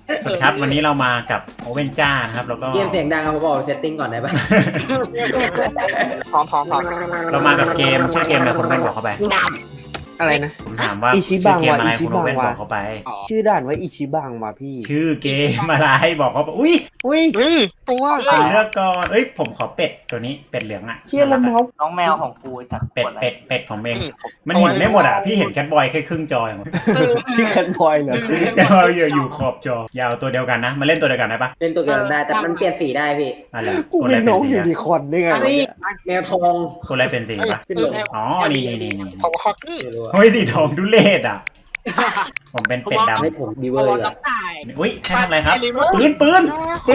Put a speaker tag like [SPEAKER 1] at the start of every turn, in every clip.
[SPEAKER 1] สวัสดีครับวันนี้เรามากับโอเว่นจ้านะครับแล้วก็
[SPEAKER 2] เกมเสียงดังครับผมบอกเซตติ้งก่อนได้ปะ
[SPEAKER 3] พร้อม
[SPEAKER 1] เรามากับเกมชื่อเกมอะไรคุณโอเว่นบอกเข้าไป
[SPEAKER 3] อะไรนะ
[SPEAKER 1] ผมถามว่า
[SPEAKER 4] อิชิ
[SPEAKER 1] ชื่
[SPEAKER 4] บั
[SPEAKER 1] อง เกมอะไร
[SPEAKER 4] ว่ะอิชิ
[SPEAKER 1] คุณโอเว่น
[SPEAKER 4] บัง
[SPEAKER 1] บ
[SPEAKER 4] ว่ะ
[SPEAKER 1] อกเข้าไป
[SPEAKER 4] ชื่อด่านว่าอิชิบังมาพี่
[SPEAKER 1] ชื่อเกมอะไรบอกเขาไปอุ้ย
[SPEAKER 4] อุ้ย
[SPEAKER 3] ตัว
[SPEAKER 1] เลือกก่อนเอ้ยผมขอเป็ดตัวนี้เป็ดเหลืองอ่ะ
[SPEAKER 4] เชี่ยละเมาส์
[SPEAKER 5] น้องแมวของกูไอ้สัตว์
[SPEAKER 1] เป็ดของเมงมันเห็นไม่หมดอ่ะพี่เห็นแคทบอยแค่ครึ่งจออย่างเดียว
[SPEAKER 4] พี่แคนบอยเหรอ
[SPEAKER 1] แคทบอยอยู่ขอบจอยาวตัวเดียวกันนะมาเล่นตัวเดียวกันได้ปะ
[SPEAKER 2] เล่นตัวเกมได้แต่มันเปลี่ยนสีได้พี่
[SPEAKER 1] อะไร
[SPEAKER 4] กู
[SPEAKER 1] คน
[SPEAKER 4] เป็
[SPEAKER 1] อะไร
[SPEAKER 4] น
[SPEAKER 1] เป็
[SPEAKER 4] น้
[SPEAKER 1] น
[SPEAKER 4] อง
[SPEAKER 1] สี
[SPEAKER 4] ยู
[SPEAKER 1] อะ
[SPEAKER 4] นิคอร์นได้ไง
[SPEAKER 2] อันนี้แมวทอง
[SPEAKER 1] คนอะไรเป็นสีปะ
[SPEAKER 2] ขึ้นลง
[SPEAKER 1] อ๋อนี่
[SPEAKER 3] ของฮอกนี่
[SPEAKER 2] ไม่รู้อะ
[SPEAKER 1] เฮ้ยสีทองดุเลศอ่ะผมเป็นเป็ดดำ
[SPEAKER 2] ให้ผมบีเวอร์ดีกว่า
[SPEAKER 1] อุ้ยแค่ทำอะไรครับปืน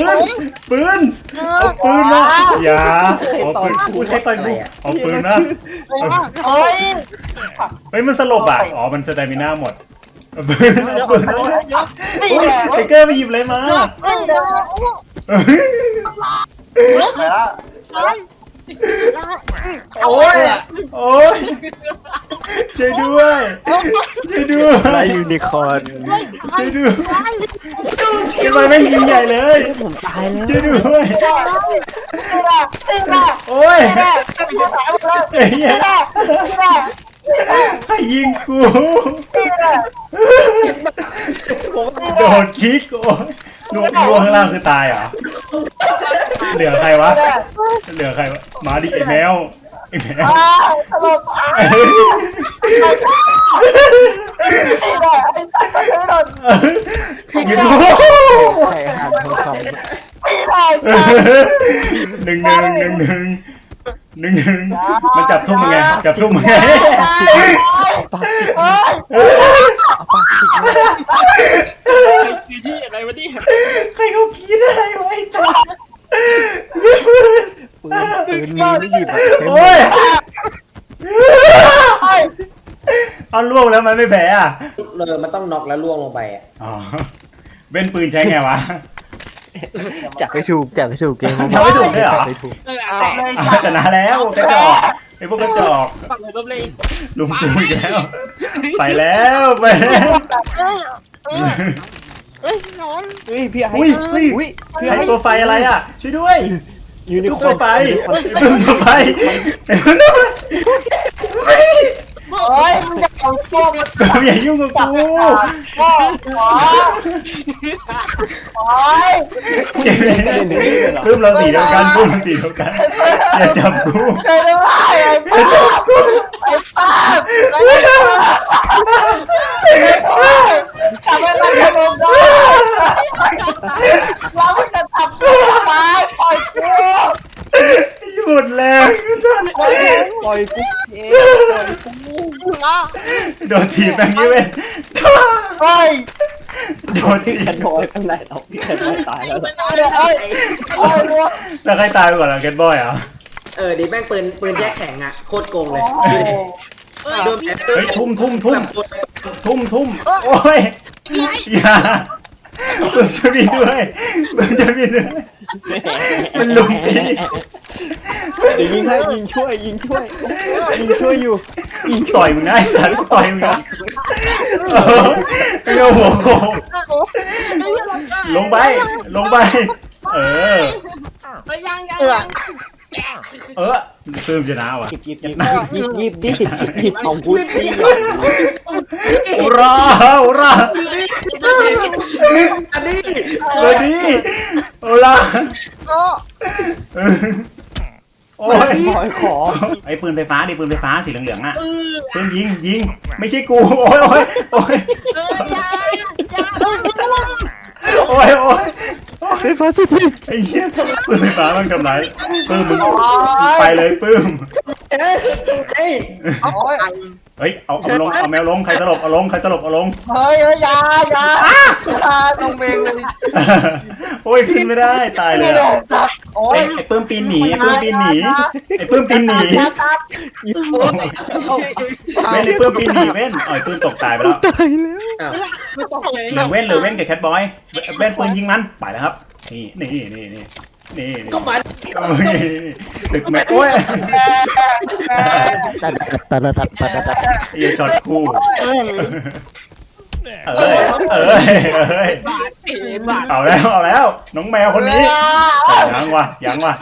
[SPEAKER 1] เอาปืนมาอย่าเอาปืนพูดให้ต่อยกูเอาปืนนะเฮ้ยมันสลบอ่ะอ๋อมันสเตมิน่าหมดเอาปืนไทเกอร์ไปหยิบเลยมาโอ้ยช่วยด้วย
[SPEAKER 4] อะไรยูนิคอร์น
[SPEAKER 1] ช่วยด้วยทำไมไม่ยิงใหญ่เลย
[SPEAKER 4] ผมตายแล้ว
[SPEAKER 1] ช่วยด้วยโอ้ยไอ้เหี้ยใครยิงกูโดดคิกโอ้ยล่วงข้างล่างคือตายเหรอเหลือใครวะมาดิไอ้แมวยิงกู
[SPEAKER 4] ใครหันทองคำ
[SPEAKER 1] หนึ่งมันจับทุ่มมึงไง
[SPEAKER 3] ที่อะไรวะนี่
[SPEAKER 1] ใครเขาคิดอะไรไว้จ้า
[SPEAKER 4] ปืนมีไม่หยิบอ่ะ
[SPEAKER 1] โอ้ยเอาล่วงแล้วมันไม่แพ้อ่ะ
[SPEAKER 2] เลยมันต้องน็อกแล้วล่วงลงไปอ่ะ
[SPEAKER 1] อ๋อเว้นปืนใช้ไงวะ
[SPEAKER 4] จับไม่ถูกเกม
[SPEAKER 1] จับไม่ถูกเลยเหรอ
[SPEAKER 4] จับไม่ถูก
[SPEAKER 1] ชนะแล้วกระจอกไอ้พวกกระจอก
[SPEAKER 3] ฝั่งไหนก็เลย
[SPEAKER 1] ลุงกูอีกแล้วไปแล้ว
[SPEAKER 3] เฮ้ยนอน
[SPEAKER 4] เฮ้ยพี่ไอ้
[SPEAKER 1] อุ้ย
[SPEAKER 4] พี่
[SPEAKER 1] ไอ้
[SPEAKER 4] ไอ้
[SPEAKER 1] ตัวไฟอะไรอ่ะช่วยด้วย
[SPEAKER 4] ยูนิคอ
[SPEAKER 1] ตัว
[SPEAKER 4] ร์น
[SPEAKER 1] ไฟตัวไฟ
[SPEAKER 3] โอ้ยมึงจะเอาพวกมัน
[SPEAKER 1] อย่ายุ่งกับกู เพิ่มเราสีเดียวกันอย่าจับกูอย่าจับกู
[SPEAKER 3] ทำให้มันขนมได้เราจะทำตัวตายปล่อยกู
[SPEAKER 1] หมดแรง
[SPEAKER 4] ปล่อยกูเองปล่อยกู
[SPEAKER 1] โดนถีบแบงค์ยี่เว้น
[SPEAKER 3] เฮ้ย
[SPEAKER 1] โดนถี
[SPEAKER 4] แคน
[SPEAKER 1] บบ
[SPEAKER 4] อยเป็นไรเอาพี่แคนบอยตายแล้ว
[SPEAKER 3] เฮ้ยเฮ้ย
[SPEAKER 1] แล้วใครตายไปก่อนล่ะแกนบอยอ่ะ
[SPEAKER 2] ดิแม่งปืนแยกแข็งอ่ะโคตรโกงเลยโดน
[SPEAKER 1] เฮ้ยทุ่มโอ้ยอย่าเพิ่มจะมีด้วยมันลุมพี่
[SPEAKER 4] เดี๋ยวยิงให้ยิงช่วยอยู่
[SPEAKER 1] ต่อยมึงนะไอ้สัตว์ต่อยมึงนะเงาหัวโขกลงไปเออซื้อชนะว่ะ
[SPEAKER 4] หยิบของกูสิ
[SPEAKER 1] อุรา
[SPEAKER 2] อันนี้
[SPEAKER 1] เลยดิอุราโอ้ย
[SPEAKER 4] ขอ
[SPEAKER 1] ไอ้ปืนไฟฟ้าสีเหลืองๆอ่ะปืนยิงไม่ใช่กูโอ้ย
[SPEAKER 4] ไฟฟ้าสิที
[SPEAKER 1] ไอ้เหี้ยปืนไฟฟ้ามันกำไรปื้มมึงไปเลยปื้มเฮ้ยเอาลงเอาแมวลงใครสลบเอาลง
[SPEAKER 3] เฮ้ยยาต้องเมงเลย
[SPEAKER 1] โอ้ยขึ้นไม่ได้ตายเลย
[SPEAKER 3] โอ้ย
[SPEAKER 1] ไอ้ปื้มปีนหนีไม่ได้ปื้มปีนหนีเว้นไอ้ปื้มตกตายไปแล้ว
[SPEAKER 3] ไม่ต้องเลย
[SPEAKER 1] เหลือเว้นกับแคทบอยเว้นปืนยิงมันไปแล้วครับนี่
[SPEAKER 2] ก็มา
[SPEAKER 1] ตึกแม็กโอ้ย
[SPEAKER 4] ตัด
[SPEAKER 1] ไอ้ช็อตคู่เอ้ยเอาแล้วน้องแมวคนนี้ยังวะ
[SPEAKER 3] ยา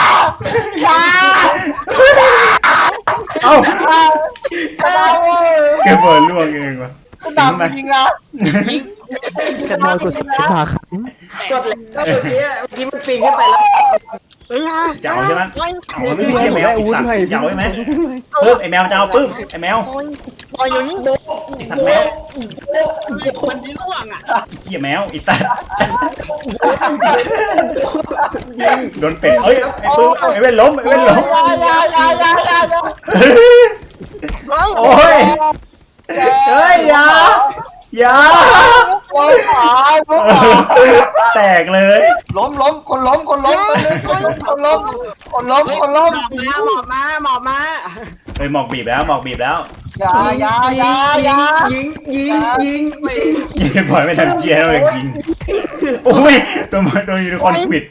[SPEAKER 1] เอ้า
[SPEAKER 3] เรา
[SPEAKER 1] เก็บเบิร์ล่วงเองวะ
[SPEAKER 3] คุณดำจริงนะ
[SPEAKER 4] จะนอนกดสิบมาครับ
[SPEAKER 2] กดแล้วเมื่อกี้มันปีนขึ้นไปแล้ว
[SPEAKER 1] จะเอาใช่ไหมเอาไม่ใช่แมวไอ้สัตว์จะเอาใช่ไหมปึ๊บไอ้แมวจะเอาปึ๊บไอ้แมวไอ้สัตว์แมว
[SPEAKER 2] คนที่ล่วงอ่ะ
[SPEAKER 1] เกี่ยแมวไอ้สัตว์โดนเป็ดเอ้ยไอ้ปึ๊บไอ้เว้นล้มไอ้เว้นล้ม โอ้ยเฮ้ยอย่าแตกเลย
[SPEAKER 3] ล้มคนล้มหมอบมา
[SPEAKER 1] เฮ้ยหมอกบีบแล้วหมอกบีบแล้ว
[SPEAKER 3] อย่า
[SPEAKER 2] ยิง
[SPEAKER 1] ยิงปล่อยไม่ทันเชียร์เราเลยยิงโอ้ยโดนยูนิคอร์นควิด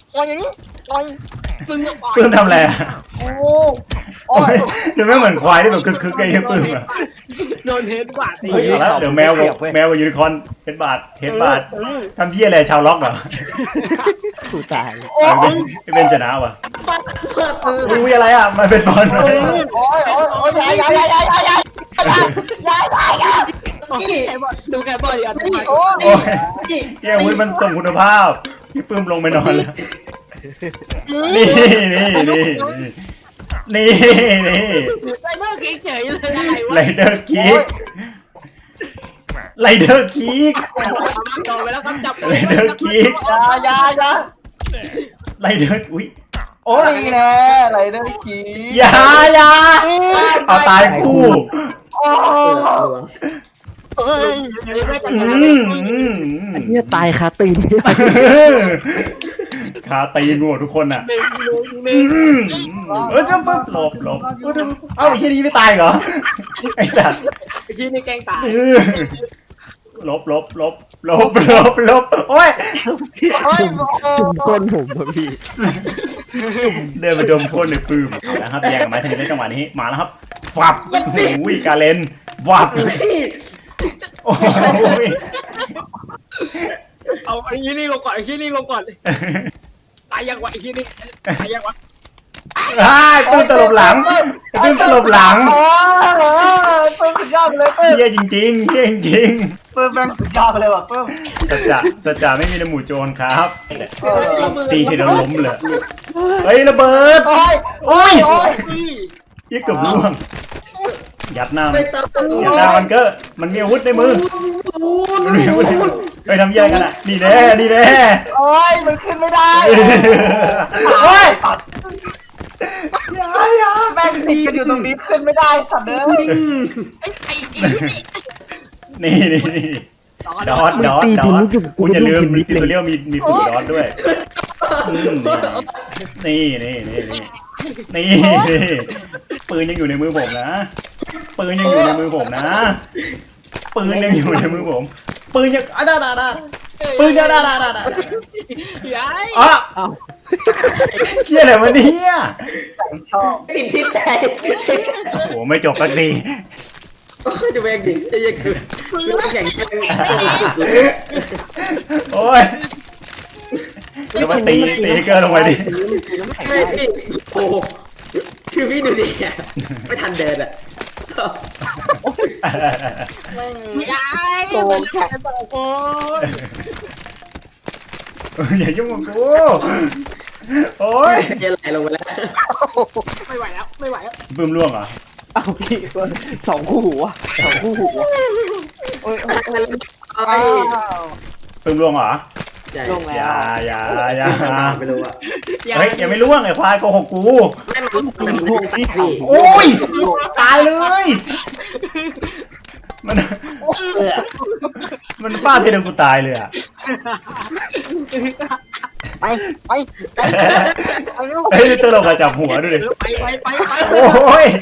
[SPEAKER 1] ปื้มทำอะไรอ่ะ
[SPEAKER 3] โอ้ย
[SPEAKER 1] ดูไม่เหมือนควายที่แบบคึกๆไอ้เหี้ยปื้มอ่ะ
[SPEAKER 2] โดนเฮดกว่าตี
[SPEAKER 1] เฮ้ยเอาละเดี๋ยวแมวกับยูนิคอร์นเฮดบาททำเหี้ยอะไรชาวล็อกเหรอ
[SPEAKER 4] ถูตาย
[SPEAKER 1] ไอ้เบนชนะว่ะอุ้ยอะไรอ่ะมันเป็นบอล
[SPEAKER 3] โอ้ยอย่า
[SPEAKER 2] ดูแกบอลอ่ะ
[SPEAKER 1] โอ้ยเฮ้ยอุ้ยมันส่งคุณภาพพี่ปื้มลงไปนอนแล้วนี่
[SPEAKER 2] ไรเดอร์เฉยเลยอะไรวะ
[SPEAKER 1] ไรเดอร์คิกไรเดอร์คิก
[SPEAKER 2] ลงไปแล้วก็จับ
[SPEAKER 1] ไรเดอร์คิก
[SPEAKER 3] อย่า
[SPEAKER 1] ไรเดอร์อุ้ยโอ้ย
[SPEAKER 3] นี่แน่ไรเดอร์คี
[SPEAKER 1] อย่าเอาตายคู่
[SPEAKER 4] เนี่ยตายคาตีน
[SPEAKER 1] คาตีนหมดทุกคนอ่ะจะปึ๊บหลบเอ้าไอ้เชี่ยนี้ไม่ตายเหรอไอ้สัตว์
[SPEAKER 2] ชี้ในแกงตาย
[SPEAKER 1] ลบโอ้ย
[SPEAKER 4] จุ่มก้นผมอะพี่
[SPEAKER 1] เดินมาดมก้นในปื้มนะครับแย่งกันมาทีนี้จังหวะนี้มาแล้วครับฟับโอ้ยกาเลนวับโอ้ย
[SPEAKER 2] เอาไอ้ยี่นี่ลงก่อนไอ้ยี่นี่ลงก่อนตายยังวะไอ้ยี่นี่ตายยังวะ
[SPEAKER 1] ปื้มตลบหลังปื้มตลบหลัง
[SPEAKER 3] ปื้มสุดยอดเลยปื้ม
[SPEAKER 1] เฮียจริง
[SPEAKER 3] ปื้มแม่งสุดยอดเลยว่ะปื้ม
[SPEAKER 1] สัจจะไม่มีในหมู่โจรครับตีทีเดียวล้มเลยเฮ้ยระเบิดโอ้ยยี่เกือบล่วงยัดหน้ามันก็มันมีอาวุธในมือไปทำยังไงกันอ่ะนี่แน่
[SPEAKER 3] โอ้ยมันขึ้นไม่ได้
[SPEAKER 1] โอ้ย
[SPEAKER 3] แม่งตีกันอยู่ตรงนี้ขึ้นไม่ได้สัตว์เด้อ
[SPEAKER 1] นี่ดอทคุณอย่าลืมมีตัวเลี้ยวมีปุ่มดอทด้วยนี่ปืนยังอยู่ในมือผมนะปืนยังอยู่ในมือผมปืนยังอยู่ในมือผมปืนยังปืนยังอ๋อเชี่ยอะไรวะเนี่ย
[SPEAKER 3] ชอบ
[SPEAKER 2] ติดพิษแตก
[SPEAKER 1] โอ้โหไม่จบสักที
[SPEAKER 2] จะแม่งดิไอ้ยังคือแข่ง
[SPEAKER 1] โอ้ยแล้วมาตีเกอร์ลงไปดิ
[SPEAKER 2] ไม่พี่โอ้คือพี่ดูดิไม่ทันเดินอ่ะ
[SPEAKER 4] โกงแข็ง
[SPEAKER 1] อย่ายุ่งกับกูโอ้ย
[SPEAKER 2] จะไหลลงไปแล้วไม่ไหวแล้ว
[SPEAKER 1] ปื้มล่วงเหรอ
[SPEAKER 4] เอาพี่สองคู่หัวโอ้ย
[SPEAKER 1] ปื้มล่วงเหรอ
[SPEAKER 4] ลงแล้
[SPEAKER 1] อย่าว
[SPEAKER 2] ไม่รู้อ่ะ
[SPEAKER 1] เฮ้ยยังไม่ล่วงไอ้ควายโกหกกู
[SPEAKER 2] ไม่มันพวกพี่พี่
[SPEAKER 1] โอ้ยตายเลยมันฟาดทีเดียวกูตายเลยอ่ะ
[SPEAKER 4] ไป
[SPEAKER 1] เฮ้ยเตอร์เรากระจับหัวดูดิ
[SPEAKER 2] ไป
[SPEAKER 1] โอ้ย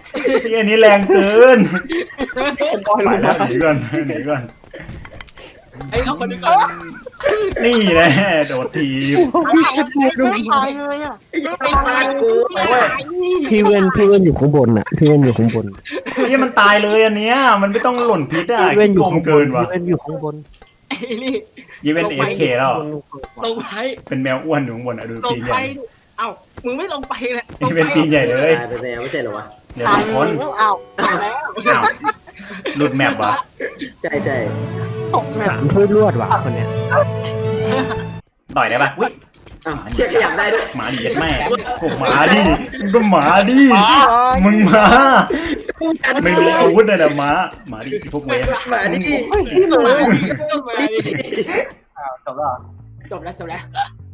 [SPEAKER 1] นี่อันนี้แรงเกินไปแล้วหนีก่อน
[SPEAKER 5] ไอ้เอาคนนี้ก่อน
[SPEAKER 1] นี่แหละโดดทีบ
[SPEAKER 4] ไม่ตายเลยอ่ะ
[SPEAKER 2] ไอ้ตายกู
[SPEAKER 6] พี่เว้นอยู่ข้างบนอ่ะพี่เว้นอยู่ข้างบน
[SPEAKER 1] นี่มันตายเลยอันเนี้ยมันไม่ต้องหล่นพิษอ่ะ
[SPEAKER 6] พี่เว้นอ
[SPEAKER 1] โก
[SPEAKER 6] ยู่
[SPEAKER 1] ง
[SPEAKER 6] ข้างบ
[SPEAKER 1] เกิ
[SPEAKER 6] น
[SPEAKER 1] นว่ะ
[SPEAKER 6] พี่เว้นอยู่ข้างบน
[SPEAKER 5] ไอ้นี่
[SPEAKER 1] ยีเวนเอฟเคแล้ว
[SPEAKER 5] ลงไป
[SPEAKER 1] เป็นแมวอ้วนอยู่ข้างบนอ่ะดู
[SPEAKER 5] ล
[SPEAKER 1] ปี
[SPEAKER 5] ง
[SPEAKER 1] นให
[SPEAKER 5] ไป
[SPEAKER 1] ญ่
[SPEAKER 5] เอ้ามึงไม่ลงไปเลย
[SPEAKER 1] ยีเวนปีนใหญ่เลย
[SPEAKER 2] ตายไปแล้วไม่ใช่เหรอวะ
[SPEAKER 1] เดี๋ยว
[SPEAKER 4] ตาย
[SPEAKER 1] ทุกคน
[SPEAKER 4] แล้วอ้าวตายแล้ว
[SPEAKER 1] อ้าวหลุดแมปว่ะ
[SPEAKER 2] ใช่ใช่
[SPEAKER 4] ตกแมป
[SPEAKER 6] 3 ถ้วยรวดว่ะคนเนี้ย
[SPEAKER 1] ต่อยได้ปะอุ้ย
[SPEAKER 2] อ้าวเชือกขยับได้ด้วย
[SPEAKER 1] หมาดิแม่กูหมาดิมึงก็หมาดิมึงมาไม่มีอาวุธเลยนะหมาดิพวกมึง
[SPEAKER 2] มาดิ
[SPEAKER 5] มาดิ
[SPEAKER 3] จบแล้ว
[SPEAKER 5] จบแล้ว